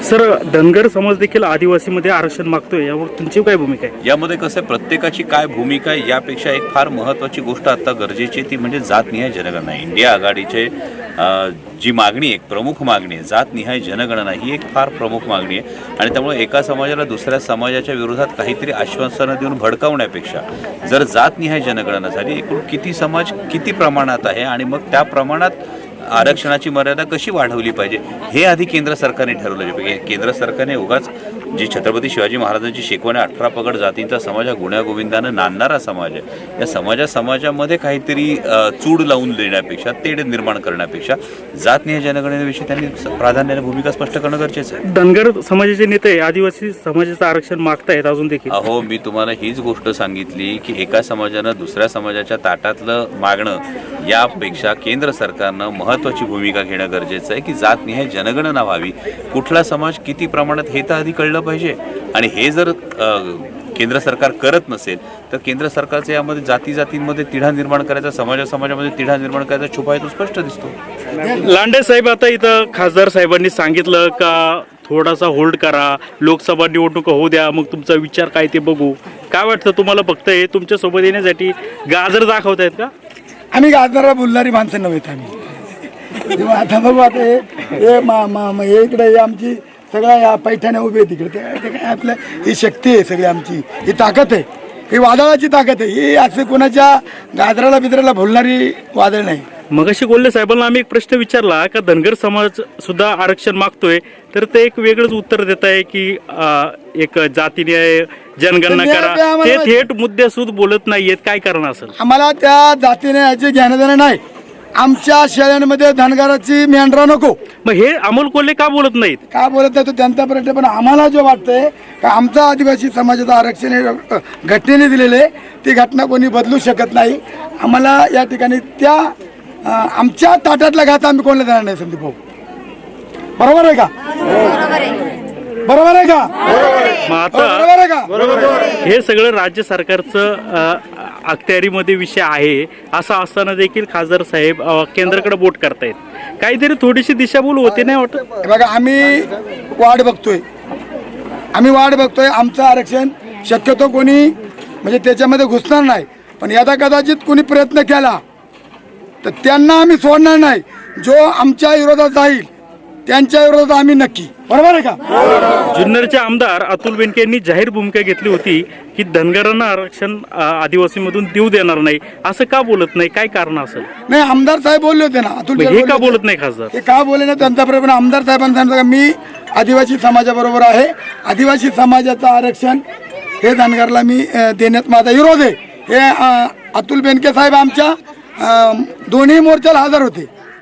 Sir, Dhangar समाज देखील आदिवासीमध्ये आरक्षण मागतोय, यावर तुमची काय भूमिका आहे? यामध्ये कसं आहे, प्रत्येकाची काय भूमिका आहे यापेक्षा एक फार महत्त्वाची गोष्ट आता गरजेची ती म्हणजे जातनिहाय जनगणना. इंडिया आघाडीचे जी मागणी, एक प्रमुख मागणी आहे जातनिहाय जनगणना, ही एक फार प्रमुख मागणी आहे. आणि त्यामुळे एका समाजाला दुसऱ्या समाजाच्या विरोधात काहीतरी आश्वासनं देऊन भडकावण्यापेक्षा जर जातनिहाय जनगणना झाली, एकूण किती समाज किती प्रमाणात आहे आणि मग त्या प्रमाणात आरक्षणाची मर्यादा कशी वाढवली पाहिजे हे आधी केंद्र सरकारने ठरवलं पाहिजे. केंद्र सरकारने उगाच जी छत्रपती शिवाजी महाराजांची शिकवण 18 पगड जातींचा समाज हा गुण्यागोविंदानं नांदणारा समाज आहे, या समाजामध्ये काहीतरी चूड लावून देण्यापेक्षा, तेढ निर्माण करण्यापेक्षा जातनिहाय जनगणनेविषयी त्यांनी प्राधान्याने भूमिका स्पष्ट करणं गरजेचं आहे. धनगर समाजाचे नेते आदिवासी समाजाचं आरक्षण मागतायत अजून देखील. अहो, मी तुम्हाला हीच गोष्ट सांगितली की एका समाजानं दुसऱ्या समाजाच्या ताटातलं मागणं यापेक्षा केंद्र सरकारनं महत्त्वाची भूमिका घेणं गरजेचं आहे की जातनिहाय जनगणना व्हावी. कुठला समाज किती प्रमाणात हे तर आधी कळलं पाहिजे. आणि हे जर केंद्र सरकार करत नसेल तर केंद्र सरकारचं यामध्ये जातींमध्ये तिढा निर्माण करायचा, समाजामध्ये तिढा निर्माण करायचा छुपा आहे तो स्पष्ट दिसतो. लांडे साहेब, आता इथं खासदार साहेबांनी सांगितलं का थोडासा होल्ड करा, लोकसभा निवडणूक होऊ द्या, मग तुमचा विचार काय ते बघू. काय वाटतं तुम्हाला? फक्त हे तुमच्या सोबत येण्यासाठी गाजर दाखवतायत का? आम्ही गाजराला बोलणारी माणसं नव्हेत आम्ही. आता बघू, आता हे इकडे आमची सगळ्या या पैठ्याने उभे तिकडे ते काय आपलं ही शक्ती आहे, सगळी आमची ही ताकद आहे, ही वादळाची ताकद आहे. ही असं कोणाच्या गाजराला बिजराला भुलणारी वादळ नाही. मगाशी कोल्हे साहेबांना आम्ही एक प्रश्न विचारला का धनगर समाज सुद्धा आरक्षण मागतोय, तर ते एक वेगळंच उत्तर देत आहे की एक जातीने जनगणना करा. ते थेट मुद्द्यासूद बोलत नाहीयेत. काय कारण असेल? आम्हाला त्या जातीने याची ज्ञानदान नाही. आमच्या शेळ्यांमध्ये धनगराची मेंढरा नको. मग हे अमोल कोल्हे का बोलत नाहीत? का बोलत नाही तो त्यांचा प्रश्न. पण आम्हाला जो वाटतंय का आमचा आदिवासी समाजाचं आरक्षण हे घटनेने दिलेलं आहे, ती घटना कोणी बदलू शकत नाही. आम्हाला या ठिकाणी त्या आमच्या ताटातला घात आम्ही कोणाला देणार नाही. संदीप भाऊ, बरोबर आहे का? बरोबर आहे का? मग आता हे सगळं राज्य सरकारचं अखत्यारीमध्ये विषय आहे. असं असताना देखील खासदार साहेब केंद्राकडे बोट करतायत. काहीतरी थोडीशी दिशाभूल होते नाही वाटत? बघा, आम्ही वाट बघतोय. आमचं आरक्षण शक्यतो कोणी म्हणजे त्याच्यामध्ये घुसणार नाही. पण यदा कदाचित कोणी प्रयत्न केला तर त्यांना आम्ही सोडणार नाही. जो आमच्या विरोधात जाईल त्यांच्या विरोधात आम्ही नक्की. बरोबर आहे का? जुन्नरचे आमदार अतुल बेनके यांनी जाहीर भूमिका घेतली होती की धनगरांना आरक्षण आदिवासीमधून देऊ देणार नाही. असं का बोलत नाही? काय कारण असेल? नाही, आमदार साहेब बोलले होते ना. अतुल हे का बोलत नाही खासदार? हे का बोलले ना त्यांचा प्रश्न. आमदार साहेबांनी सांगितलं मी आदिवासी समाजाबरोबर आहे. आदिवासी समाजाचं आरक्षण हे धनगरला मी देण्यात माझा विरोध आहे. हे अतुल बेनके साहेब आमच्या दोन्ही मोर्चाला हजर होते.